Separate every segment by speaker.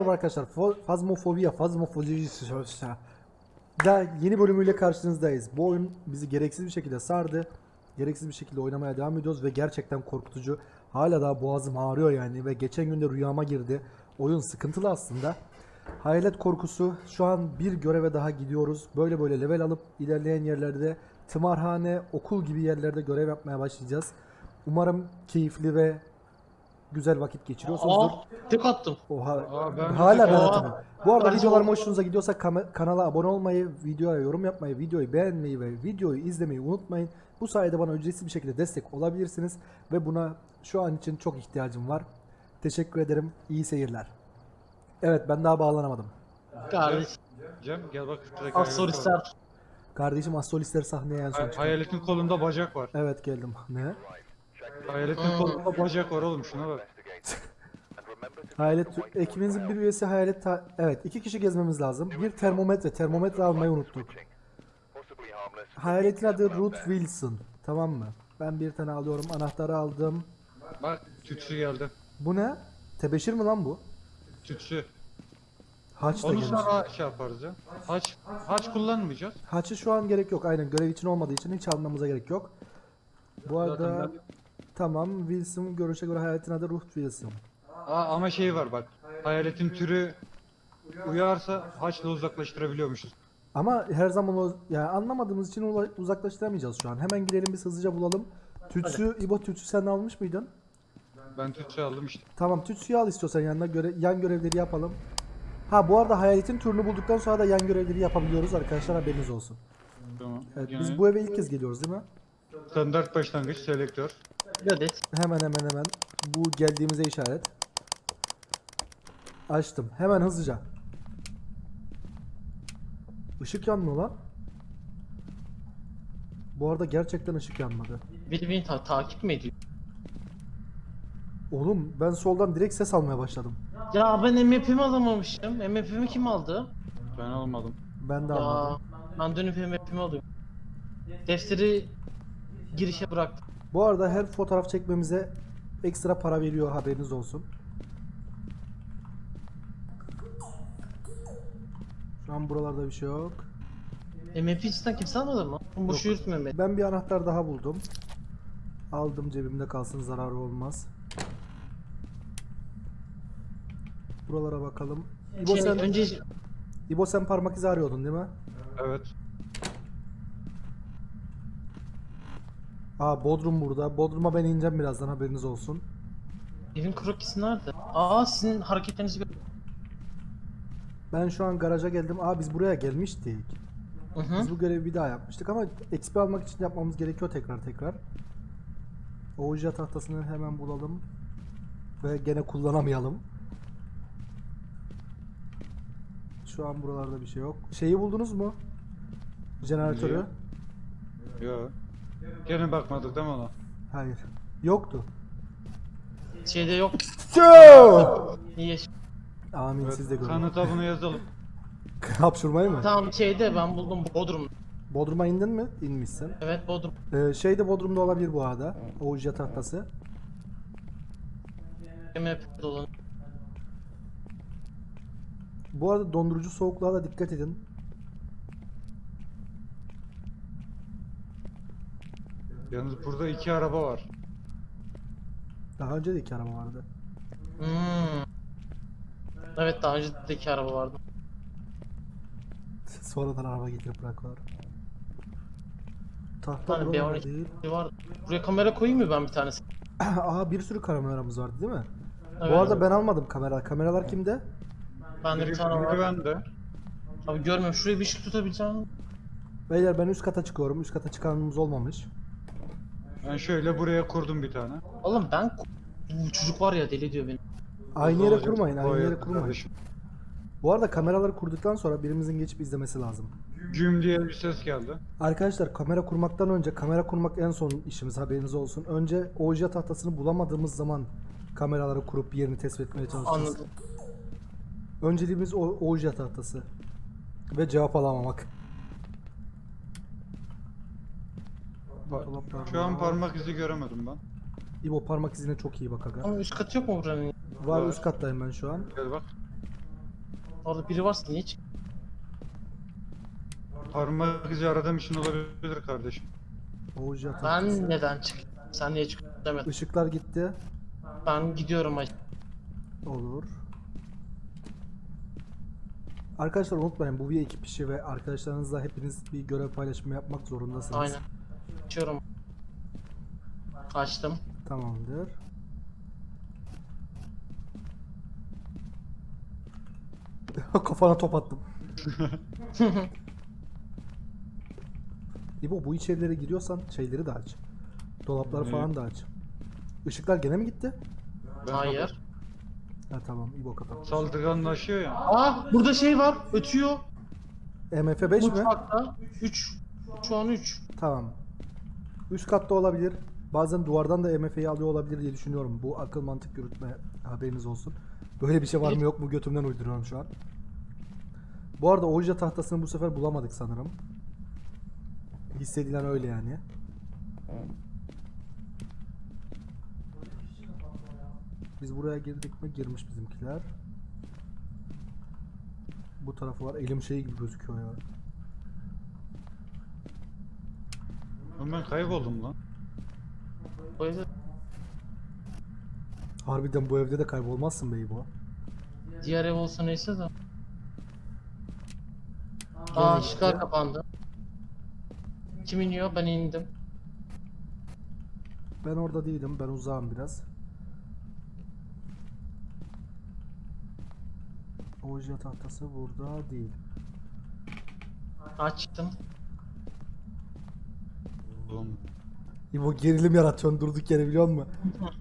Speaker 1: Merhaba arkadaşlar, Fazmofobi da yeni bölümüyle karşınızdayız. Bu oyun bizi gereksiz bir şekilde sardı. Gereksiz bir şekilde oynamaya devam ediyoruz ve gerçekten korkutucu. Hala daha boğazım ağrıyor yani ve geçen gün de rüyama girdi. Oyun sıkıntılı aslında. Hayalet korkusu. Şu an bir göreve daha gidiyoruz. Böyle level alıp ilerleyen yerlerde tımarhane, okul gibi yerlerde görev yapmaya başlayacağız. Umarım keyifli ve güzel vakit geçiriyorsunuzdur.
Speaker 2: Tek attım.
Speaker 1: Oha.
Speaker 2: Ben de
Speaker 1: Hala
Speaker 2: tek-
Speaker 1: ben
Speaker 2: Oha.
Speaker 1: atamadım. Bu arada
Speaker 2: Ben-
Speaker 1: videolarım hoşunuza gidiyorsa kanala abone olmayı, videoya yorum yapmayı, videoyu beğenmeyi ve videoyu izlemeyi unutmayın. Bu sayede bana ücretsiz bir şekilde destek olabilirsiniz ve buna şu an için çok ihtiyacım var. Teşekkür ederim. İyi seyirler. Evet, ben daha bağlanamadım.
Speaker 2: Kardeş.
Speaker 3: Cem gel bak şuradaki
Speaker 2: Astrolistler.
Speaker 1: Kardeşim astrolistler sahneye en son çıktı.
Speaker 3: hayaletin kolunda bacak var.
Speaker 1: Evet, geldim. Ne?
Speaker 3: Hayaletin kolunda bacak var oğlum, şuna bak.
Speaker 1: Hayalet ekibinizin bir üyesi evet, 2 kişi gezmemiz lazım. Bir termometre almayı unuttuk. Hayaletin adı Ruth Wilson. Tamam mı? Ben bir tane alıyorum. Anahtarı aldım.
Speaker 3: Bak tütsü geldi.
Speaker 1: Bu ne? Tebeşir mi lan bu?
Speaker 3: Tütsü.
Speaker 1: Haç da
Speaker 3: Onu
Speaker 1: gelmiş.
Speaker 3: sonra şey yaparız ya. Haç kullanmayacağız.
Speaker 1: Haçı şu an gerek yok. Aynen, görev için olmadığı için hiç almamıza gerek yok. Bu arada
Speaker 3: Zaten
Speaker 1: tamam, Wilson görüşe göre hayaletin adı Ruth Wilson.
Speaker 3: ama şey var bak. Hayaletin türü uyarsa haçla uzaklaştırabiliyormuşuz.
Speaker 1: Ama her zaman yani anlamadığımız için uzaklaştıramayacağız şu an. Hemen gidelim, biz hızlıca bulalım. Tütsü, İbo tütsü sen almış mıydın?
Speaker 3: Ben tütsü aldım işte.
Speaker 1: Tamam, tütsüyü al istiyorsan yanına, yan görevleri yapalım. Ha, bu arada hayaletin türünü bulduktan sonra da yan görevleri yapabiliyoruz arkadaşlar, haberiniz olsun.
Speaker 3: Tamam.
Speaker 1: Evet,
Speaker 3: Yine
Speaker 1: biz bu eve ilk kez geliyoruz değil mi?
Speaker 3: standart başlangıç selektör.
Speaker 2: Bir adet.
Speaker 1: Hemen. Bu geldiğimize işaret. Açtım. Hemen hızlıca. Işık yanmıyor lan. Bu arada gerçekten ışık yanmadı.
Speaker 2: Beni takip mi ediyor?
Speaker 1: Oğlum, ben soldan direkt ses almaya başladım.
Speaker 2: Ya ben MF'imi alamamışım. MF'imi kim aldı?
Speaker 3: Ben almadım.
Speaker 1: Ben de
Speaker 2: Ya
Speaker 1: almadım.
Speaker 2: ben dönüp MF'imi alıyorum. Defteri girişe bıraktım.
Speaker 1: Bu arada her fotoğraf çekmemize ekstra para veriyor, haberiniz olsun. Şu an buralarda bir şey yok.
Speaker 2: MF'i cidden kimse almadı mı? Boşu yürütme beni.
Speaker 1: Ben bir anahtar daha buldum. Aldım, cebimde kalsın, zararı olmaz. Buralara bakalım. İbo sen parmak izi arıyordun değil mi?
Speaker 3: Evet.
Speaker 1: Aa, Bodrum burada. Bodrum'a ben ineceğim birazdan, haberiniz olsun.
Speaker 2: Evin krokisi nerede? Sizin hareketlerinizi gör.
Speaker 1: Ben şu an garaja geldim. Aa, biz buraya gelmiştik.
Speaker 2: Hı.
Speaker 1: Biz bu görevi bir daha yapmıştık ama XP almak için yapmamız gerekiyor tekrar. Ouija tahtasını hemen bulalım. Ve gene kullanamayalım. Şu an buralarda bir şey yok. Şeyi buldunuz mu? Jeneratörü.
Speaker 3: Yok. Gene bakmadık değil mi ona?
Speaker 1: Hayır. Yoktu.
Speaker 2: Şeyde yok. İyi.
Speaker 1: Amin,
Speaker 3: Evet,
Speaker 1: siz de görün.
Speaker 3: kanıta bunu yazalım.
Speaker 1: Hapşurmayı mı?
Speaker 2: Tamam şeyde ben buldum Bodrum.
Speaker 1: Bodrum'a indin mi? İnmişsin.
Speaker 2: Evet Bodrum.
Speaker 1: Şey de Bodrum'da olabilir bu arada. Ouija tahtası.
Speaker 2: MF dolanıyor.
Speaker 1: Bu arada dondurucu soğukluğa da dikkat edin.
Speaker 3: Yalnız burada 2 araba var.
Speaker 1: Daha önce de 2 araba vardı.
Speaker 2: Evet daha önce de 2 araba vardı.
Speaker 1: Sonradan araba getirip bırakıyorlar.
Speaker 2: Bir
Speaker 1: Tahta
Speaker 2: tane
Speaker 1: buralarda
Speaker 2: B12
Speaker 1: değil.
Speaker 2: var. Buraya kamera koyayım mı ben bir tanesi?
Speaker 1: Aa, bir sürü kameramız vardı değil mi?
Speaker 2: Evet.
Speaker 1: Bu arada ben almadım kamera. Kameralar kimde?
Speaker 2: Bende bir tane
Speaker 3: Biri
Speaker 2: var.
Speaker 3: bende.
Speaker 2: Abi görmüyorum. Şuraya bir ışık tutabileceğim.
Speaker 1: Beyler, ben üst kata çıkıyorum. Üst kata çıkanımız olmamış.
Speaker 3: Ben şöyle buraya kurdum bir tane.
Speaker 2: Oğlum bu çocuk var ya deli ediyor beni.
Speaker 1: Aynı yere
Speaker 3: Olacak.
Speaker 1: kurmayın. Aynı
Speaker 3: O
Speaker 1: yere
Speaker 3: evet
Speaker 1: kurmayın.
Speaker 3: kardeşim.
Speaker 1: Bu arada kameraları kurduktan sonra birimizin geçip izlemesi lazım.
Speaker 3: Güm diye bir ses geldi.
Speaker 1: Arkadaşlar, kamera kurmaktan önce, kamera kurmak en son işimiz, haberiniz olsun. Önce Ouija tahtasını bulamadığımız zaman kameraları kurup yerini tespit etmeye çalışacağız.
Speaker 2: Anladım.
Speaker 1: Önceliğimiz Ouija tahtası. Ve cevap alamamak.
Speaker 3: Şu an parmak izi göremedim ben.
Speaker 1: İbo, parmak izine çok iyi bak aga.
Speaker 2: Ama üst katı yok mu buranın?
Speaker 1: Var,
Speaker 3: Var.
Speaker 1: üst kattayım ben şu an.
Speaker 3: Gel bak.
Speaker 2: Orada biri varsa niye çık?
Speaker 3: Parmak izi aradığım için olabilir kardeşim.
Speaker 1: Ouija tahtası.
Speaker 2: Ben neden çık? Sen niye çık demedin.
Speaker 1: Işıklar gitti.
Speaker 2: Ben gidiyorum hacı.
Speaker 1: Olur. Arkadaşlar unutmayın, bu bir ekip işi ve arkadaşlarınızla hepiniz bir görev paylaşımı yapmak zorundasınız.
Speaker 2: Aynen. Açıyorum. Açtım.
Speaker 1: Tamamdır. Kafana top attım. İbo, bu içerilere giriyorsan şeyleri de aç. Dolapları
Speaker 3: Ne?
Speaker 1: falan da aç. Işıklar gene mi gitti?
Speaker 3: Ben
Speaker 2: Hayır.
Speaker 1: Ha tamam, İbo kapat.
Speaker 3: Saldırganlaşıyor ya.
Speaker 2: Aa burada şey var. Ötüyor.
Speaker 1: MF5 mi?
Speaker 2: Mutfakta. 3. Şu an 3.
Speaker 1: Tamam. Üst katta olabilir. Bazen duvardan da MF'yi alıyor olabilir diye düşünüyorum. Bu akıl mantık yürütme, haberiniz olsun. Böyle bir şey var mı yok mu götümden uyduruyorum şu an. Bu arada Ouija tahtasını bu sefer bulamadık sanırım. Hissedilen öyle yani. Biz buraya girdik mi? Girmiş bizimkiler. Bu tarafı var. Elim şey gibi gözüküyor ya.
Speaker 3: Oğlum ben kayboldum lan.
Speaker 2: O yüzden
Speaker 1: Harbiden bu evde de kaybolmazsın bey bu.
Speaker 2: diğer ev olsa neyse de. Aa ışıklar kapandı. Kim iniyor? Ben indim.
Speaker 1: Ben orada değilim. Ben uzağım biraz. Ouija tahtası burada değil.
Speaker 2: Açtım.
Speaker 3: Oğlum.
Speaker 1: İbo gerilim yaratıyorsun durduk yere, biliyor musun?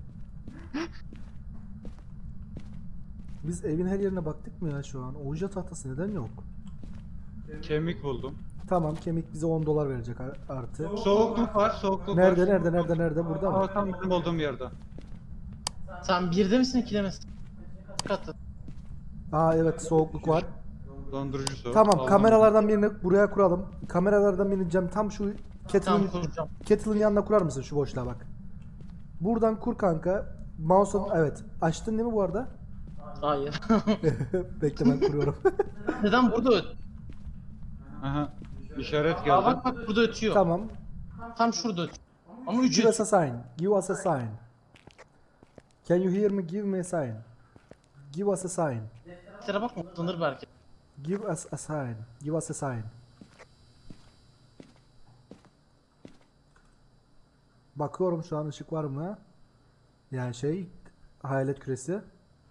Speaker 1: Biz evin her yerine baktık mı ya şu an? Ouija tahtası neden yok?
Speaker 3: Kemik buldum.
Speaker 1: Tamam, kemik bize 10 dolar verecek artı.
Speaker 3: Soğukluk var, soğukluk
Speaker 1: Nerede
Speaker 3: var.
Speaker 1: nerede nerede nerede, burada mı?
Speaker 3: Aa, tam benim olduğum yerde.
Speaker 2: Sen birde misin, ikide misin? Katı.
Speaker 1: Aa evet, soğukluk var.
Speaker 3: Dondurucu soğuk.
Speaker 1: Tamam,
Speaker 3: Aldım.
Speaker 1: kameralardan birini buraya kuralım. Kameralardan birini Cem tam şu
Speaker 2: Tamam
Speaker 1: kettle'ın
Speaker 2: kuracağım.
Speaker 1: kettle'ın yanına kurar mısın şu boşluğa bak. Buradan kur kanka. Mouse'un evet. Açtın değil mi bu arada?
Speaker 2: Hayır.
Speaker 1: Bekle, ben kuruyorum.
Speaker 2: Neden burada
Speaker 3: Aha. İşaret
Speaker 2: Aa
Speaker 3: geldi.
Speaker 2: bak burada ötüyor.
Speaker 1: Tamam.
Speaker 2: Tam şurada ötüyor. Ama 3
Speaker 1: Give
Speaker 2: ötüyor.
Speaker 1: us a sign. Give us a sign. Can you hear me? Give me a sign. Give us a sign.
Speaker 2: Tere bakma, utanır belki.
Speaker 1: Give us a sign. Give us a sign. Bakıyorum şu an ışık var mı? Yani hayalet küresi.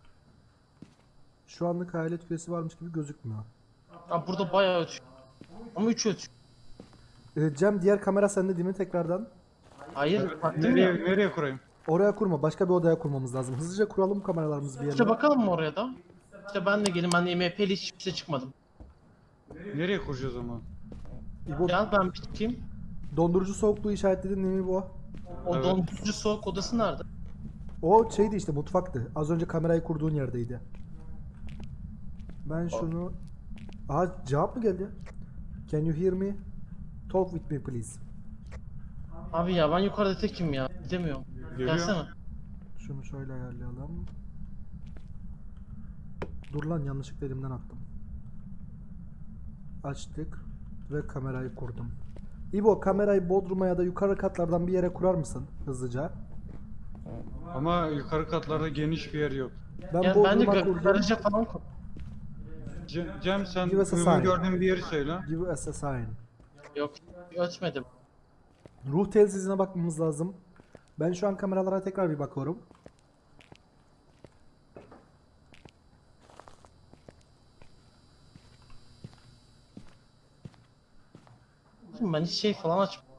Speaker 1: Şu anlık hayalet küresi varmış gibi gözükmüyor.
Speaker 2: Aa burada bayağı ötüyor. Ama 3 ötüyor.
Speaker 1: Cem, diğer kamera sende değil mi tekrardan?
Speaker 2: Hayır baktım
Speaker 3: Nereye,
Speaker 2: ya.
Speaker 3: nereye kurayım?
Speaker 1: Oraya kurma. Başka bir odaya kurmamız lazım. Hızlıca kuralım kameralarımızı bir yerine.
Speaker 2: İşte bakalım mı oraya da? İşte ben de gelin, ben de MHP'li hiçbir şey çıkmadım.
Speaker 3: Nereye kuracağız ama?
Speaker 1: İbo,
Speaker 2: Gel ben bir çıkayım.
Speaker 1: dondurucu soğukluğu işaretledin değil mi bu?
Speaker 2: O
Speaker 3: Evet.
Speaker 2: dondurucu soğuk odası nerede?
Speaker 1: O şeydi işte, mutfaktı. Az önce kamerayı kurduğun yerdeydi. Ben şunu... Aha, cevap mı geldi? Can you hear me? Talk with me please.
Speaker 2: Abi ya ben yukarıda tekim ya. Gidemiyorum.
Speaker 3: Geliyor.
Speaker 2: Gelsene.
Speaker 1: Şunu şöyle ayarlayalım. Dur lan, yanlışlıkla elimden attım. Açtık ve kamerayı kurdum. İbo, kamerayı bodruma ya da yukarı katlardan bir yere kurar mısın hızlıca?
Speaker 3: Ama yukarı katlarda geniş bir yer yok.
Speaker 1: Ben
Speaker 2: Ya bence
Speaker 1: bodruma kurdum.
Speaker 2: garaja falan kur.
Speaker 3: Cem sen
Speaker 1: Give us a
Speaker 3: uygun
Speaker 1: sign.
Speaker 3: gördüğün bir yeri söyle.
Speaker 1: Give us a sign.
Speaker 2: Yok ötmedim.
Speaker 1: Ruh telsizine bakmamız lazım. Ben şu an kameralara tekrar bir bakıyorum.
Speaker 2: Ben hiç şey falan açmadım.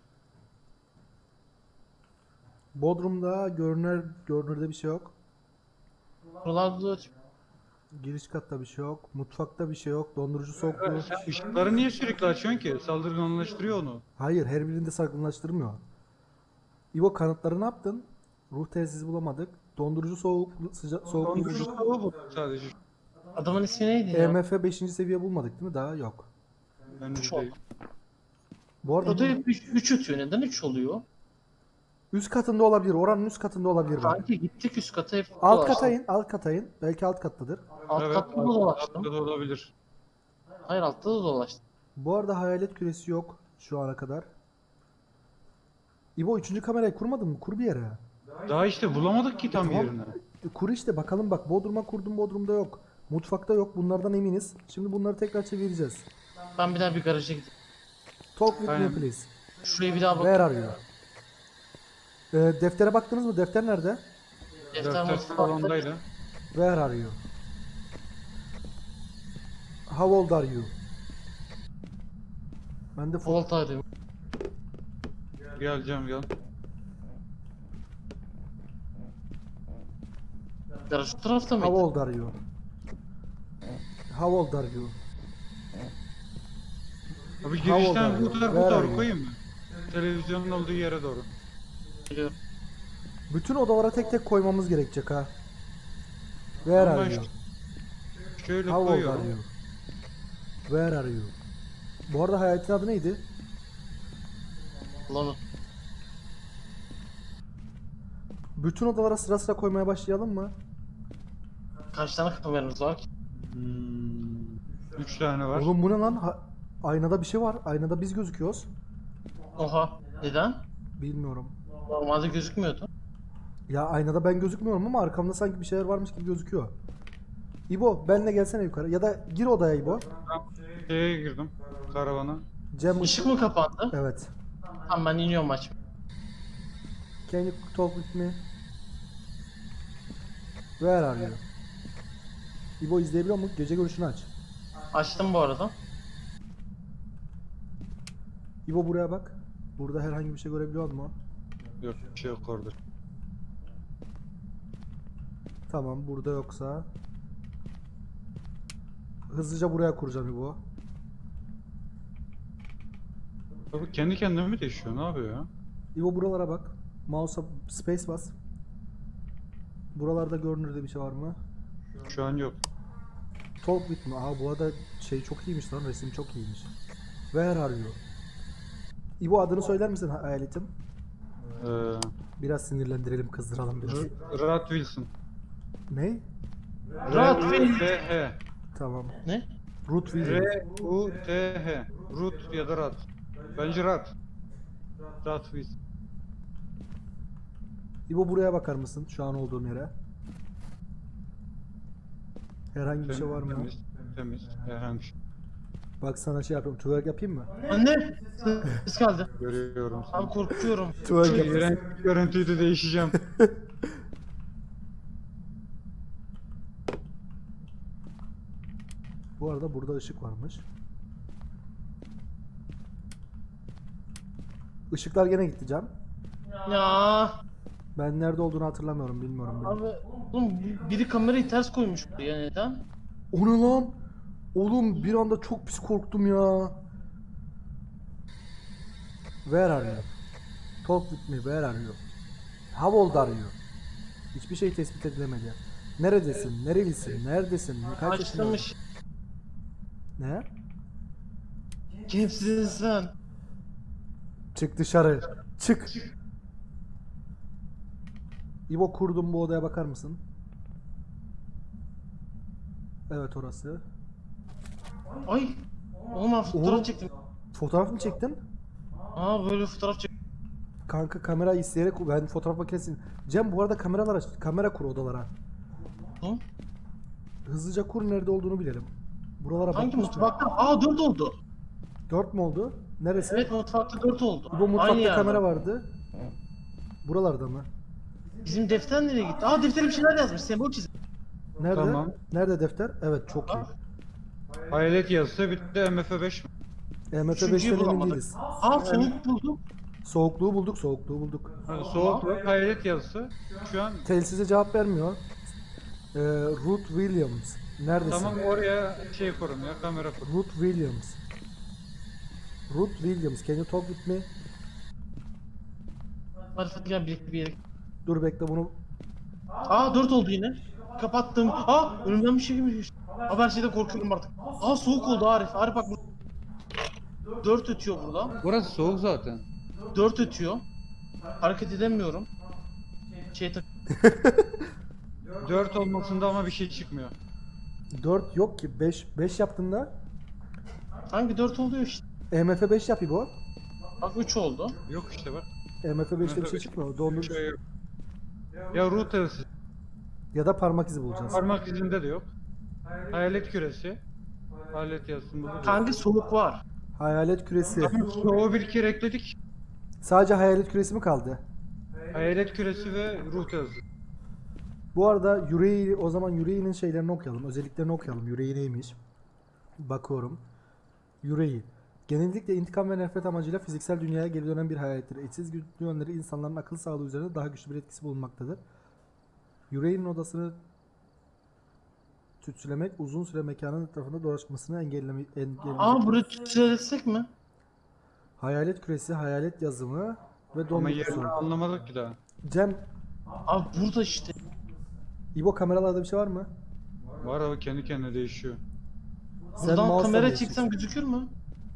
Speaker 1: Bodrum'da görünürde bir şey yok.
Speaker 2: Buralarda da ötmüyor.
Speaker 1: Giriş katta bir şey yok. Mutfakta bir şey yok. Dondurucu soğukluğu.
Speaker 3: Sen ışıkları niye sürekli açıyorsun ki? Saldırganlaştırıyor onu.
Speaker 1: Hayır, her birinde saklanlaştırmıyor. İbo, kanıtları ne yaptın? Ruh telsizi bulamadık. Dondurucu soğukluğu
Speaker 3: Dondurucu
Speaker 1: bulduk.
Speaker 3: soğuğu bu sadece.
Speaker 2: Adamın ismi neydi ya?
Speaker 1: EMF 5. seviye bulmadık değil mi? Daha yok.
Speaker 3: Ben de
Speaker 2: Çok.
Speaker 3: değil.
Speaker 1: Bu arada
Speaker 2: Burada hep 3 ötüyor. Neden 3 oluyor?
Speaker 1: Üst katında olabilir. Oranın üst katında olabilir bak.
Speaker 2: Kanki gittik üst kata hep
Speaker 1: Alt
Speaker 2: dolaştık.
Speaker 1: kata in. Alt kata in. Belki alt kattadır.
Speaker 2: Alt
Speaker 3: Evet,
Speaker 2: katta da dolaştım.
Speaker 3: altta da olabilir.
Speaker 2: Hayır altta da dolaştım.
Speaker 1: Bu arada hayalet küresi yok şu ana kadar. İbo 3. kamerayı kurmadın mı? Kur bir yere.
Speaker 3: Daha işte bulamadık ki tam
Speaker 1: Tamam.
Speaker 3: yerini.
Speaker 1: Kur işte bakalım bak. Bodrum'a kurdum. Bodrum'da yok. Mutfakta yok. Bunlardan eminiz. Şimdi bunları tekrar çevireceğiz.
Speaker 2: Ben bir daha bir garaja gideyim.
Speaker 1: Talk with me
Speaker 3: Aynen.
Speaker 1: please.
Speaker 2: Şuraya bir daha bak.
Speaker 1: Where are you? Deftere baktınız mı? Defter nerede?
Speaker 2: Defter
Speaker 3: Defter
Speaker 2: mutfakta.
Speaker 3: salondaydı.
Speaker 1: Where are you? How old are you? Ben de
Speaker 2: Volt arıyorum.
Speaker 3: Geleceğim gel.
Speaker 2: Garaj şu tarafta
Speaker 1: How
Speaker 2: mıydı?
Speaker 1: old are you? How old are you?
Speaker 3: Abi
Speaker 1: How old
Speaker 3: girişten
Speaker 1: are
Speaker 3: bu
Speaker 1: you?
Speaker 3: tarafa
Speaker 1: Where are
Speaker 3: doğru
Speaker 1: you?
Speaker 3: koyayım mı? Televizyonun olduğu yere doğru.
Speaker 2: Biliyorum.
Speaker 1: Bütün odalara tek tek koymamız gerekecek ha. Where
Speaker 3: Ben
Speaker 1: are you?
Speaker 3: Şöyle
Speaker 1: How old are
Speaker 3: koyuyorum.
Speaker 1: you? Where are you? Bu arada hayaletin adı neydi?
Speaker 2: Lan
Speaker 1: Bütün odalara sıra sıra koymaya başlayalım mı?
Speaker 2: kaç tane kameramız var ki?
Speaker 3: 3 tane var.
Speaker 1: Oğlum bu ne lan? Aynada bir şey var. Aynada biz gözüküyoruz.
Speaker 2: Oha. Neden?
Speaker 1: Bilmiyorum.
Speaker 2: Normalde gözükmüyordu.
Speaker 1: Ya aynada ben gözükmüyorum ama arkamda sanki bir şeyler varmış gibi gözüküyor. İbo benle gelsene yukarı. Ya da gir odaya İbo.
Speaker 3: Şeye girdim. Karavana.
Speaker 1: Cem
Speaker 2: Işık mı kapandı?
Speaker 1: Evet.
Speaker 2: Tamam ben iniyorum maç.
Speaker 1: Can you talk with me? Where are you? İbo izleyebiliyor musun? Gece görüşünü aç.
Speaker 2: Açtım bu arada.
Speaker 1: İbo buraya bak. Burada herhangi bir şey görebiliyor musun?
Speaker 3: Yok bir şey yok orada.
Speaker 1: Tamam burada yoksa. Hızlıca buraya kuracağım İbo.
Speaker 3: Abi kendi kendine mi değişiyor? Ne yapıyor ya?
Speaker 1: İbo buralara bak. Mouse'a space bas. Buralarda görünürde bir şey var mı?
Speaker 3: Şu an yok.
Speaker 1: Talk with me. Aa bu arada şey çok iyiymiş lan. Resim çok iyiymiş. Where are you? İbo adını söyler misin hayaletim?
Speaker 3: Ee,
Speaker 1: Biraz sinirlendirelim, kızdıralım biraz.
Speaker 3: Rat Wilson.
Speaker 1: Ne?
Speaker 3: R-U-T-H.
Speaker 1: Tamam.
Speaker 2: Ne?
Speaker 1: Root Williams.
Speaker 3: R-U-T-H. Root ya da Rat. Bence Rat. Rat Wilson.
Speaker 1: İbo buraya bakar mısın? Şu an olduğum yere. Herhangi bir şey var mı?
Speaker 3: Temiz. Temiz. Herhangi bir şey.
Speaker 1: Bak sana şey yapıyorum. Twerk yapayım mı?
Speaker 2: Anne! Ses geldi.
Speaker 3: Görüyorum seni.
Speaker 2: Abi korkuyorum.
Speaker 1: Twerk yapayım.
Speaker 3: İğrenç bir görüntüydü, değişeceğim.
Speaker 1: Bu arada burada ışık varmış. Işıklar gene gitti Can.
Speaker 2: Ya
Speaker 1: Ben nerede olduğunu hatırlamıyorum, bilmiyorum. Bile.
Speaker 2: abi oğlum biri kamerayı ters koymuş buraya neden?
Speaker 1: O ne lan? Oğlum bir anda çok pis korktum ya. Where are you? Talk with me. Where are you? How old are you? Hiçbir şey tespit edilemedi. Neredesin? Nerelisin? Neredesin? Kaç yaşındasın?
Speaker 2: Açtırmış.
Speaker 1: Ne?
Speaker 2: Kimsin sen?
Speaker 1: Çık dışarı. Çık. İbo kurdum, bu odaya bakar mısın? Evet orası.
Speaker 2: Ay. Oğlum ben
Speaker 1: Oğlum.
Speaker 2: fotoğraf çektim.
Speaker 1: Fotoğraf mı çektin?
Speaker 2: Aa böyle fotoğraf çektim.
Speaker 1: Kanka kamera isteyerek ben fotoğraf makinesini... Cem bu arada kameralar aç. Kamera kur odalara.
Speaker 2: Hı?
Speaker 1: Hızlıca kur, nerede olduğunu bilelim. Buralara
Speaker 2: Hangi
Speaker 1: bakmış mı?
Speaker 2: mutfakta? Aa 4 oldu.
Speaker 1: 4 mü oldu? Neresi?
Speaker 2: Evet mutfakta 4 oldu.
Speaker 1: Bu mutfakta
Speaker 2: Aynı
Speaker 1: kamera
Speaker 2: yerde.
Speaker 1: vardı. Buralarda mı?
Speaker 2: Bizim defter nereye gitti? Aa deftere bir şeyler yazmış. Sembol çizmiş.
Speaker 1: Nerede?
Speaker 3: Tamam.
Speaker 1: Nerede defter? Evet çok iyi.
Speaker 3: Hayalet yazısı bitti. MF5 mi?
Speaker 1: MF5'ten
Speaker 2: Üçüncüyü
Speaker 1: emin
Speaker 2: bulamadık.
Speaker 1: değiliz.
Speaker 2: Aa soğuk buldum.
Speaker 1: Soğukluğu bulduk, soğukluğu bulduk.
Speaker 3: Soğukluk hayalet yazısı. Şu an
Speaker 1: Telsize cevap vermiyor. Ruth Williams. Neredesin?
Speaker 3: tamam, oraya şey kurun ya, kamera kurun.
Speaker 1: Ruth Williams. Ruth Williams. Can you talk with me?
Speaker 2: Hadi gel birlikte bir yere.
Speaker 1: Dur bekle bunu.
Speaker 2: Aa 4 oldu yine. Kapattım. Aa önümden bir şey girmiş. Aa ben şeyden korkuyorum artık. Aa soğuk oldu Arif. Arif bak bu. 4 ötüyor burada.
Speaker 3: Burası soğuk zaten.
Speaker 2: 4 ötüyor. Hareket edemiyorum. Tak.
Speaker 3: 4 olmasında ama bir şey çıkmıyor.
Speaker 1: 4 yok ki. 5 yaptığında
Speaker 2: Hangi 4 oluyor işte.
Speaker 1: EMF 5 yap İbo.
Speaker 2: Bak 3 oldu.
Speaker 3: Yok işte bak.
Speaker 1: EMF 5'te bir şey
Speaker 3: EMF 5.
Speaker 1: çıkmıyor. Dondur.
Speaker 3: Şey yok. Ya ruh telsiz.
Speaker 1: Ya da parmak izi bulacağız.
Speaker 3: Parmak izinde de yok. Hayalet küresi. Hayalet yazsın burada.
Speaker 2: Kanka soğuk var.
Speaker 1: Hayalet küresi.
Speaker 3: O bir kere ekledik.
Speaker 1: Sadece hayalet küresi mi kaldı?
Speaker 3: Hayalet küresi ve ruh telsiz.
Speaker 1: Bu arada yüreği, o zaman yüreğinin şeylerini okuyalım. Özelliklerini okuyalım. Yüreği neymiş? Bakıyorum. Yüreği. Genellikle intikam ve nefret amacıyla fiziksel dünyaya geri dönen bir hayalettir. Eşsiz güçlü yönleri insanların akıl sağlığı üzerinde daha güçlü bir etkisi bulunmaktadır. Yüreğinin odasını tütsülemek, uzun süre mekanın etrafında dolaşmasını engelleyecek.
Speaker 2: Burayı tütsülesek mi?
Speaker 1: Hayalet küresi, hayalet yazımı ve
Speaker 3: Ama yerini
Speaker 1: dondurucu.
Speaker 3: anlamadık ki daha.
Speaker 1: Cem,
Speaker 2: Abi burada işte.
Speaker 1: İbo kameralarda bir şey var mı?
Speaker 3: Var ama kendi kendine değişiyor.
Speaker 2: Buradan
Speaker 1: mouse'la
Speaker 2: kamera
Speaker 1: değiştirsin.
Speaker 2: çeksem gözükür mü?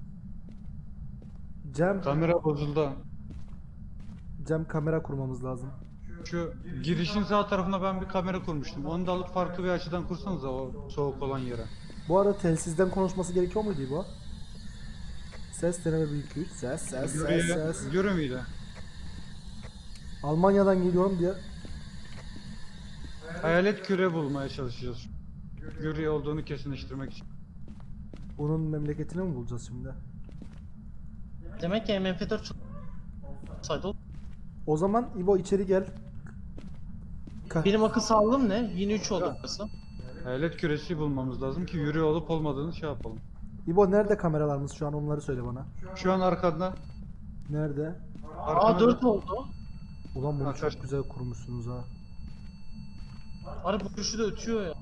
Speaker 3: Kamera bozuldu.
Speaker 1: Cem kamera kurmamız lazım.
Speaker 3: Şu girişin sağ tarafına ben bir kamera kurmuştum. Onu da alıp farklı bir açıdan kursanıza o soğuk olan yere.
Speaker 1: Bu arada telsizden konuşması gerekiyor muydu İbo? Ses deneme 1 2 3 ses.
Speaker 3: Görü müydü?
Speaker 1: Almanya'dan geliyorum diye.
Speaker 3: Hayalet küre bulmaya çalışacağız. Görü olduğunu kesinleştirmek için.
Speaker 1: Bunun memleketini mi bulacağız şimdi?
Speaker 2: Demek ki MF4 saydı.
Speaker 1: O zaman İbo içeri gel.
Speaker 2: Benim akıl sağlığım ne? Yine 3 oldu burası.
Speaker 3: Hayalet küresi bulmamız lazım ki yürü olup olmadığını şey yapalım.
Speaker 1: İbo nerede kameralarımız şu an, onları söyle bana.
Speaker 3: Şu an arkanda.
Speaker 1: Nerede?
Speaker 2: Aa 4 oldu.
Speaker 1: Ulan bunu
Speaker 3: Ha,
Speaker 1: çok
Speaker 3: kaç-
Speaker 1: güzel kurmuşsunuz ha.
Speaker 2: Arı bu kuşu da ötüyor ya.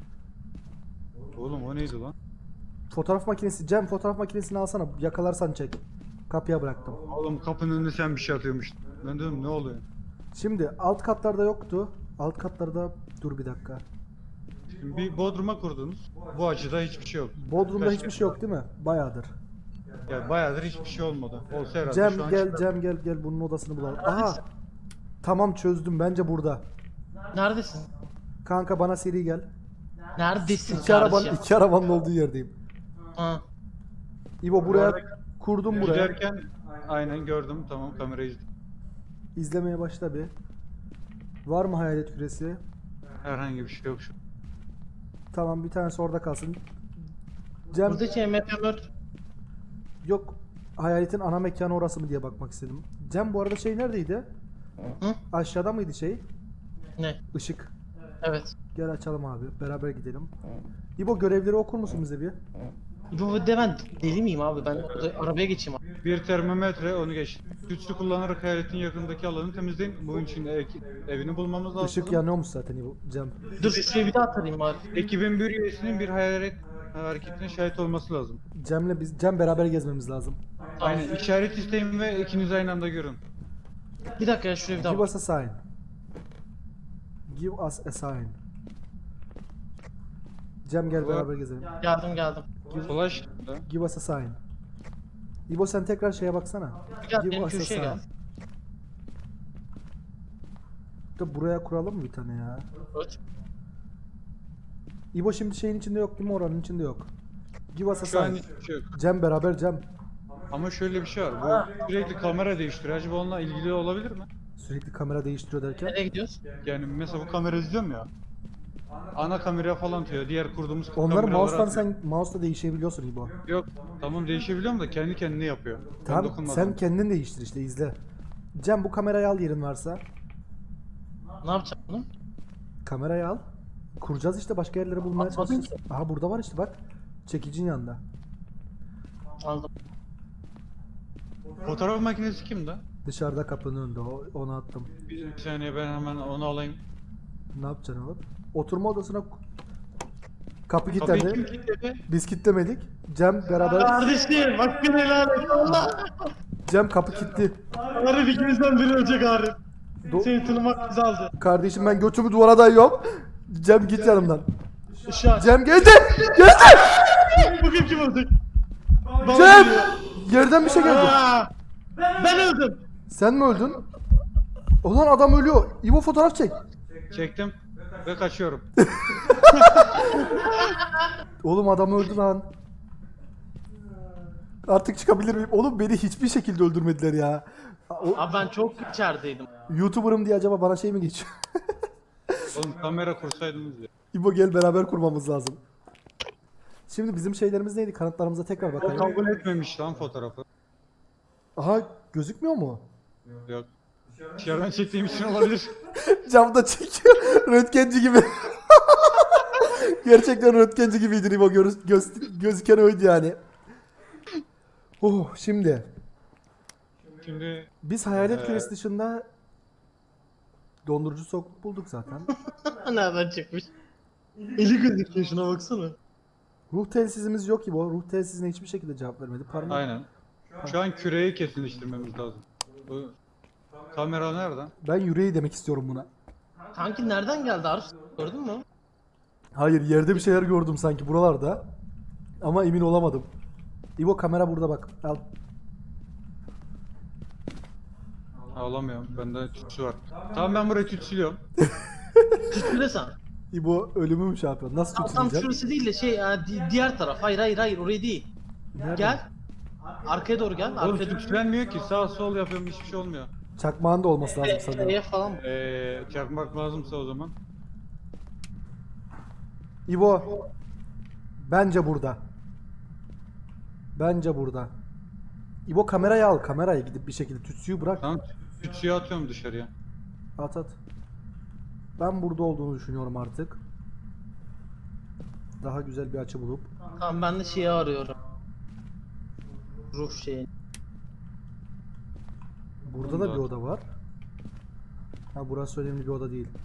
Speaker 3: Oğlum o neydi lan?
Speaker 1: Fotoğraf makinesi, Cem fotoğraf makinesini alsana, yakalarsan çek. Kapıya bıraktım.
Speaker 3: Oğlum kapının önüne sen bir şey atıyormuştun. Ben dedim ne oluyor?
Speaker 1: Şimdi alt katlarda yoktu. Alt katlarda dur bir dakika.
Speaker 3: Şimdi bir bodruma kurdunuz. Bu açıda hiçbir şey yok.
Speaker 1: Bodrumda
Speaker 3: Kaç
Speaker 1: hiçbir
Speaker 3: kere-
Speaker 1: şey yok değil mi? Bayağıdır.
Speaker 3: Yani bayağıdır hiçbir şey olmadı. Olsa herhalde
Speaker 1: Cem
Speaker 3: şu an
Speaker 1: gel,
Speaker 3: çıkar.
Speaker 1: Cem gel bunun odasını bulalım. Aha. Tamam çözdüm, bence burada.
Speaker 2: Neredesin?
Speaker 1: Kanka bana seri gel.
Speaker 2: Neredesin
Speaker 1: İki arabanın olduğu yerdeyim.
Speaker 2: Ha.
Speaker 1: İbo buraya kurdum buraya.
Speaker 3: Giderken aynen gördüm, tamam kamerayı izledim.
Speaker 1: İzlemeye başla bir. Var mı hayalet küresi?
Speaker 3: Herhangi bir şey yok şu.
Speaker 1: Tamam bir tanesi orada kalsın. Cem
Speaker 2: Buradaki MF4
Speaker 1: yok, hayaletin ana mekanı orası mı diye bakmak istedim. Cem bu arada şey neredeydi?
Speaker 2: Hı?
Speaker 1: Aşağıda mıydı şey?
Speaker 2: ne?
Speaker 1: Işık.
Speaker 2: Evet.
Speaker 1: Gel açalım abi, beraber gidelim. İbo görevleri okur musun bize bir?
Speaker 2: Bu de ben deli miyim abi? Ben arabaya geçeyim abi.
Speaker 3: Bir termometre onu geç. Güçlü kullanarak hayaletin yakındaki alanı temizleyin. Bunun için evini bulmamız lazım.
Speaker 1: Işık yanıyormuş zaten İbo, Cem.
Speaker 2: Dur şuraya bir daha atarayım bari.
Speaker 3: Ekibin bir üyesinin bir hayalet hareketine şahit olması lazım.
Speaker 1: Cem beraber gezmemiz lazım.
Speaker 2: Tamam.
Speaker 3: Aynen işaret isteyin ve ikiniz aynı anda görün.
Speaker 2: Bir dakika ya şuraya bir daha
Speaker 1: Give
Speaker 2: bak.
Speaker 1: us a sign. Give us a sign. Cem gel
Speaker 3: Bu-
Speaker 1: beraber gezelim.
Speaker 2: Geldim.
Speaker 3: Flash da.
Speaker 1: Give us a sign. İbo sen tekrar şeye baksana.
Speaker 2: Gel
Speaker 1: Give
Speaker 2: benim
Speaker 1: us a
Speaker 2: köşeye
Speaker 1: sign.
Speaker 2: gel.
Speaker 1: Da buraya kuralım mı bir tane ya?
Speaker 2: Evet.
Speaker 1: İbo şimdi şeyin içinde yok değil mi, oranın içinde yok. Give us a
Speaker 3: Şu an
Speaker 1: sign.
Speaker 3: hiçbir şey yok.
Speaker 1: Cem beraber Cem.
Speaker 3: Ama şöyle bir şey var. Bu sürekli kamera değiştiriyor. Acaba onunla ilgili olabilir mi?
Speaker 1: Sürekli kamera değiştiriyor derken.
Speaker 2: Nereye gidiyoruz?
Speaker 3: Yani mesela bu kamera izliyorum ya. Ana kamera falan atıyor. Diğer kurduğumuz
Speaker 1: Onları
Speaker 3: kameralara
Speaker 1: mouse'tan
Speaker 3: atıyor.
Speaker 1: sen mouse'la değişebiliyorsun İbo.
Speaker 3: Yok. Tamam değişebiliyorum da kendi kendine yapıyor. Ben
Speaker 1: Tamam
Speaker 3: dokunmadım.
Speaker 1: sen kendin değiştir işte, izle. Cem bu kamerayı al yerin varsa.
Speaker 2: Ne yapacağım bunu?
Speaker 1: Kamerayı al. Kuracağız işte, başka yerleri bulmaya
Speaker 2: Atmadın
Speaker 1: çalışacağız. Aha burada var işte bak. Çekicin yanında.
Speaker 2: Aldım.
Speaker 3: Fotoğraf makinesi kimde?
Speaker 1: Dışarıda kapının önünde, onu attım.
Speaker 3: Bir saniye ben hemen onu alayım.
Speaker 1: Ne yapacaksın oğlum? Oturma odasına kapı
Speaker 3: Kapıyı kim
Speaker 1: kilitlendi.
Speaker 3: kilitledi?
Speaker 1: Biz kilitlemedik. Cem beraber.
Speaker 2: Kardeşim hakkını helal et. Allah.
Speaker 1: Cem kapı kilitli.
Speaker 2: Arif ikimizden biri ölecek Arif.
Speaker 1: Do-
Speaker 2: Seni tanımak bizi aldı.
Speaker 1: Kardeşim ben götümü duvara dayıyorum. Cem git yanımdan.
Speaker 2: Işığı aç.
Speaker 1: Cem geldi. Geldi.
Speaker 2: Bugün kim öldü?
Speaker 1: Cem. Yerden bir şey geldi.
Speaker 2: Aa, ben öldüm.
Speaker 1: Sen mi öldün? Ulan adam ölüyor. İbo fotoğraf çek.
Speaker 3: Çektim ve kaçıyorum.
Speaker 1: Oğlum adam öldü lan. Artık çıkabilir miyim? Oğlum beni hiçbir şekilde öldürmediler ya.
Speaker 2: Abi ben çok içerideydim.
Speaker 1: YouTuber'ım diye acaba bana şey mi geçiyor?
Speaker 3: Oğlum kamera kursaydınız ya.
Speaker 1: İbo gel beraber kurmamız lazım. Şimdi bizim şeylerimiz neydi? Kanıtlarımıza tekrar
Speaker 3: O
Speaker 1: bakalım.
Speaker 3: kabul etmemiş lan fotoğrafı.
Speaker 1: Aha gözükmüyor mu?
Speaker 3: Yok. Dışarıdan çektiğim için olabilir.
Speaker 1: Camda çekiyor. Röntgenci gibi. Gerçekten röntgenci gibiydi İbo. Gözüken oydu yani. Oh şimdi.
Speaker 3: Şimdi
Speaker 1: Biz hayalet küresi dışında dondurucu soğukluk bulduk zaten.
Speaker 2: Nereden çıkmış? Eli gözüküyor, şuna baksana.
Speaker 1: Ruh telsizimiz yok İbo. Ruh telsizine hiçbir şekilde cevap vermedi. Parmak.
Speaker 3: aynen. Şu an küreyi kesinleştirmemiz lazım. Bu kamera nereden?
Speaker 1: Ben yüreği demek istiyorum buna.
Speaker 2: Kanki nereden geldi Arif? Gördün mü?
Speaker 1: Hayır yerde bir şeyler gördüm sanki buralarda. Ama emin olamadım. İbo kamera burada bak. Al.
Speaker 3: Ağlamıyorum. Bende tütsü var. Tamam ben burayı tütsülüyorum.
Speaker 2: Tütsüle sen.
Speaker 1: İbo ölümü mü şey yapıyor? Nasıl
Speaker 2: Tam
Speaker 1: tütsüleyeceğim?
Speaker 2: şurası değil de şey diğer taraf. Hayır orayı değil.
Speaker 1: Nerede?
Speaker 2: Gel. Arkaya doğru gel.
Speaker 3: Oğlum
Speaker 2: Arkaya doğru.
Speaker 3: tütsülenmiyor ki. Sağ sol yapıyorum hiçbir şey olmuyor.
Speaker 1: Çakmağın da olması lazım sanıyorum.
Speaker 2: EF falan.
Speaker 3: Çakmak lazımsa o zaman.
Speaker 1: İbo. Bence burada. Bence burada. İbo kamerayı al. Kamerayı gidip bir şekilde tütsüyü bırak.
Speaker 3: Tamam tütsüyü atıyorum dışarıya.
Speaker 1: At at. Ben burada olduğunu düşünüyorum artık. Daha güzel bir açı bulup.
Speaker 2: Tamam ben de şeyi arıyorum. Ruh şeyini.
Speaker 1: Burada da bir oda var. Ha burası önemli bir oda değil.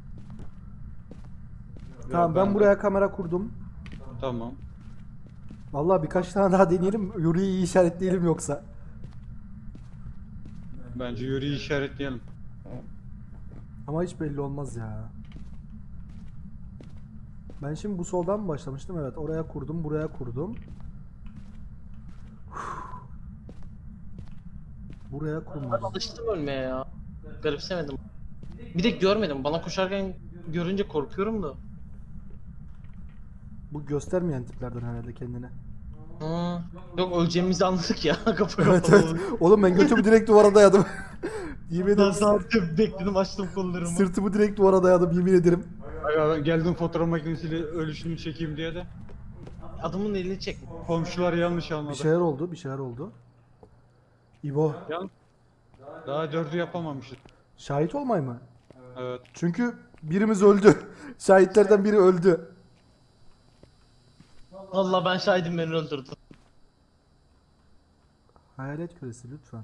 Speaker 1: Tamam ben
Speaker 3: de-
Speaker 1: buraya kamera kurdum.
Speaker 3: Tamam.
Speaker 1: Vallahi birkaç tane daha deneyelim. Yuri'yi iyi işaretleyelim yoksa.
Speaker 3: Bence yürüyü işaretleyelim.
Speaker 1: Ama hiç belli olmaz ya. Ben şimdi bu soldan mı başlamıştım? Evet oraya kurdum, buraya kurdum. Buraya
Speaker 2: Ben
Speaker 1: kurmadım.
Speaker 2: alıştım ölmeye ya. Garipsemedim. Bir de görmedim. Bana koşarken görünce korkuyorum da.
Speaker 1: Bu göstermeyen tiplerden herhalde kendini.
Speaker 2: Hı. Yok öleceğimizi anladık ya. Kapı
Speaker 1: Evet
Speaker 2: kapalı.
Speaker 1: evet. Oğlum ben götümü direkt duvara dayadım. Yemin
Speaker 2: Ben
Speaker 1: ederim.
Speaker 2: sadece bekledim, açtım kollarımı.
Speaker 1: Sırtımı direkt duvara dayadım yemin ederim.
Speaker 3: Aga, geldim fotoğraf makinesiyle ölüşünü çekeyim diye de.
Speaker 2: Adamın elini çek.
Speaker 3: Komşular yanlış
Speaker 1: Bir
Speaker 3: anladı.
Speaker 1: şeyler oldu, bir şeyler oldu. İbo,
Speaker 3: Daha dördü yapamamışız.
Speaker 1: şahit olmay mı?
Speaker 3: Evet.
Speaker 1: Çünkü birimiz öldü. Şahitlerden biri öldü.
Speaker 2: Allah ben şahidim, beni öldürdü.
Speaker 1: Hayalet küresi lütfen.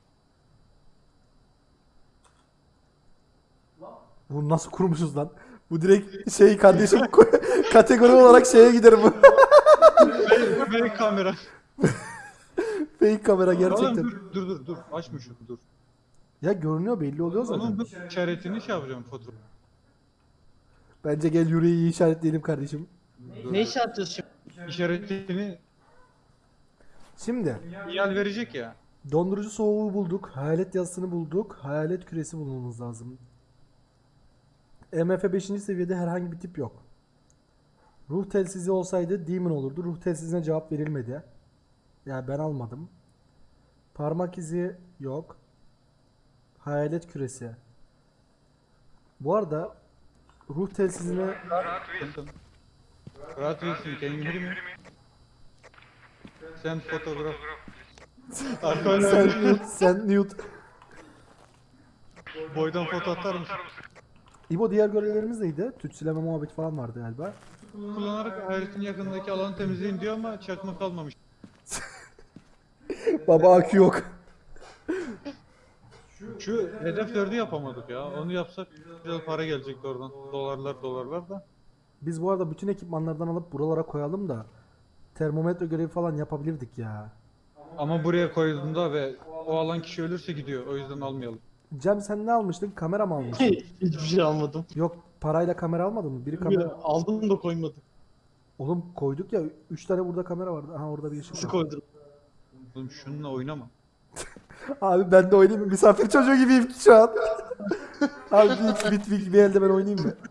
Speaker 1: Bunu nasıl kurmuşuz lan? Bu direkt şey kardeşim kategori olarak şeye gider bu.
Speaker 3: Ve kamera.
Speaker 1: Fake kamera
Speaker 3: Oğlum
Speaker 1: gerçekten.
Speaker 3: dur. Açma şunu dur.
Speaker 1: Ya görünüyor belli oluyor zaten.
Speaker 3: Oğlum bu işaretini şey yapacağım fotoğraf.
Speaker 1: Bence gel yüreği işaretleyelim kardeşim.
Speaker 2: Ne iş yapacağız şimdi?
Speaker 3: İşaretini
Speaker 1: Şimdi
Speaker 3: sinyal verecek ya.
Speaker 1: dondurucu soğuğu bulduk. Hayalet yazısını bulduk. Hayalet küresi bulmamız lazım. MF 5. seviyede herhangi bir tip yok. Ruh telsizi olsaydı Demon olurdu. Ruh telsizine cevap verilmedi. Ya ben almadım. Parmak izi yok. Hayalet küresi. Bu arada ruh telsizine
Speaker 3: Rahat değilsin. Can you hear me? Send fotoğraf.
Speaker 1: sen Newt.
Speaker 3: Boydan foto atar mısın?
Speaker 1: İbo diğer görevlerimiz neydi? Tütsüleme muhabbeti falan vardı galiba.
Speaker 3: Kullanarak hayaletin yakınındaki alanı temizleyin diyor ama çakma kalmamış.
Speaker 1: Baba akü yok.
Speaker 3: Şu hedef 4'ü yapamadık ya. Onu yapsak güzel para gelecekti oradan. Dolarlar da.
Speaker 1: Biz bu arada bütün ekipmanlardan alıp buralara koyalım da termometre görevi falan yapabilirdik ya.
Speaker 3: Ama buraya koyduğunda ve o alan kişi ölürse gidiyor. O yüzden almayalım.
Speaker 1: Cem sen ne almıştın? Kamera mı almıştın?
Speaker 2: Hiçbir şey almadım.
Speaker 1: Yok parayla kamera almadın mı? Biri kamera...
Speaker 2: Aldım da koymadım.
Speaker 1: Oğlum koyduk ya 3 tane burada kamera vardı. Aha orada bir ışık
Speaker 2: Nasıl
Speaker 1: var.
Speaker 2: koydun?
Speaker 3: Oğlum şununla oynama.
Speaker 1: Abi ben de oynayayım mı? Misafir çocuğu gibiyim şu an. Abi bir elde ben oynayayım mı?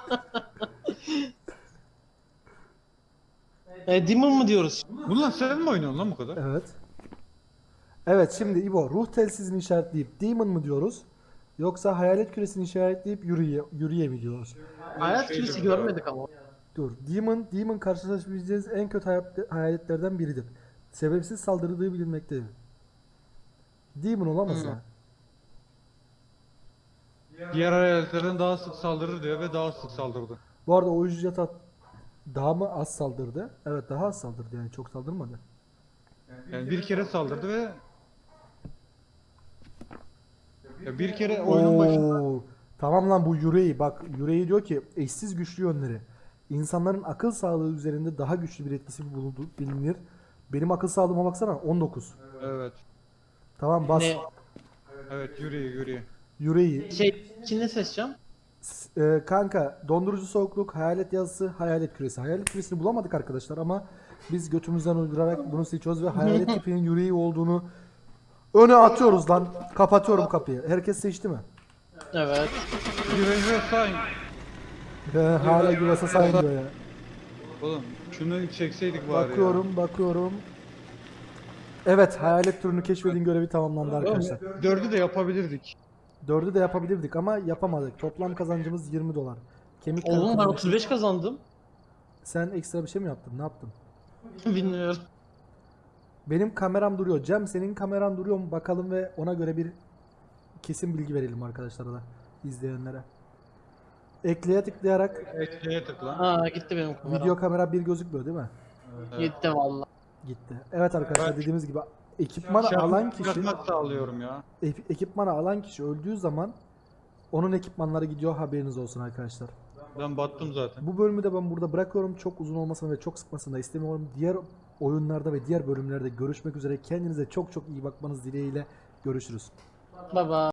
Speaker 2: Demon mu diyoruz?
Speaker 3: Bununla sen mi oynuyorsun lan bu kadar?
Speaker 1: Evet. Evet şimdi İbo ruh telsizini işaretleyip demon mı diyoruz? Yoksa hayalet küresini işaretleyip yürüye mi diyoruz?
Speaker 2: Hayat
Speaker 3: Şey
Speaker 2: kilisi
Speaker 3: diyorlar.
Speaker 2: görmedik ama.
Speaker 1: Dur. Demon karşılaşabileceğiniz en kötü hayaletlerden biridir. Sebepsiz saldırdığı bilinmektedir. Demon olamaz ya.
Speaker 3: Diğer hayaletlerden daha sık saldırır diyor ve daha sık saldırdı.
Speaker 1: Bu arada o ücret daha mı az saldırdı? Evet daha az saldırdı yani çok saldırmadı.
Speaker 3: Yani bir kere saldırdı ve ya bir kere oyunun başında
Speaker 1: Oo, tamam lan bu Yurei bak Yurei diyor ki eşsiz güçlü yönleri. İnsanların akıl sağlığı üzerinde daha güçlü bir etkisi bulundu bilinir. Benim akıl sağlığıma baksana 19.
Speaker 3: evet.
Speaker 1: Tamam bas
Speaker 2: Ne?
Speaker 3: Evet yürüyor.
Speaker 1: Yurei.
Speaker 2: İçinde seçeceğim.
Speaker 1: Kanka dondurucu soğukluk, hayalet yazısı, hayalet küresi. Hayalet küresini bulamadık arkadaşlar ama biz götümüzden uydurarak bunu seçiyoruz ve hayalet tipinin Yurei olduğunu öne atıyoruz lan. Kapatıyorum kapıyı. Herkes seçti mi?
Speaker 2: Evet.
Speaker 3: Güvence sayın.
Speaker 1: Hala güvese sayın diyor ya.
Speaker 3: Oğlum şunu çekseydik bari
Speaker 1: Bakıyorum. Evet, hayalet türünü keşfedin görevi tamamlandı
Speaker 3: ya.
Speaker 1: arkadaşlar.
Speaker 3: Oğlum, 4'ü de yapabilirdik.
Speaker 1: 4'ü de yapabilirdik ama yapamadık. Toplam kazancımız 20 dolar. Kemik
Speaker 2: Oğlum ben
Speaker 1: kırıkları-
Speaker 2: 35 kazandım.
Speaker 1: Sen ekstra bir şey mi yaptın? Ne yaptın?
Speaker 2: Bilmiyorum.
Speaker 1: Benim kameram duruyor. Cem senin kameran duruyor mu? Bakalım ve ona göre bir kesin bilgi verelim arkadaşlara da izleyenlere. Ekleye tıklayarak
Speaker 3: Ekleye tıkla.
Speaker 2: Aa gitti benim kamera.
Speaker 1: video kamera bir gözükmüyor değil mi?
Speaker 2: Gitti valla.
Speaker 1: Gitti. Evet arkadaşlar
Speaker 3: Evet.
Speaker 1: dediğimiz gibi ekipmanı alan kişi
Speaker 3: Çıkartmak sağlıyorum ya.
Speaker 1: ekipmanı alan kişi öldüğü zaman onun ekipmanları gidiyor haberiniz olsun arkadaşlar.
Speaker 3: Ben battım zaten.
Speaker 1: Bu bölümü de ben burada bırakıyorum. Çok uzun olmasını ve çok sıkmasını da istemiyorum. Diğer oyunlarda ve diğer bölümlerde görüşmek üzere. Kendinize çok çok iyi bakmanız dileğiyle görüşürüz.
Speaker 2: Baba.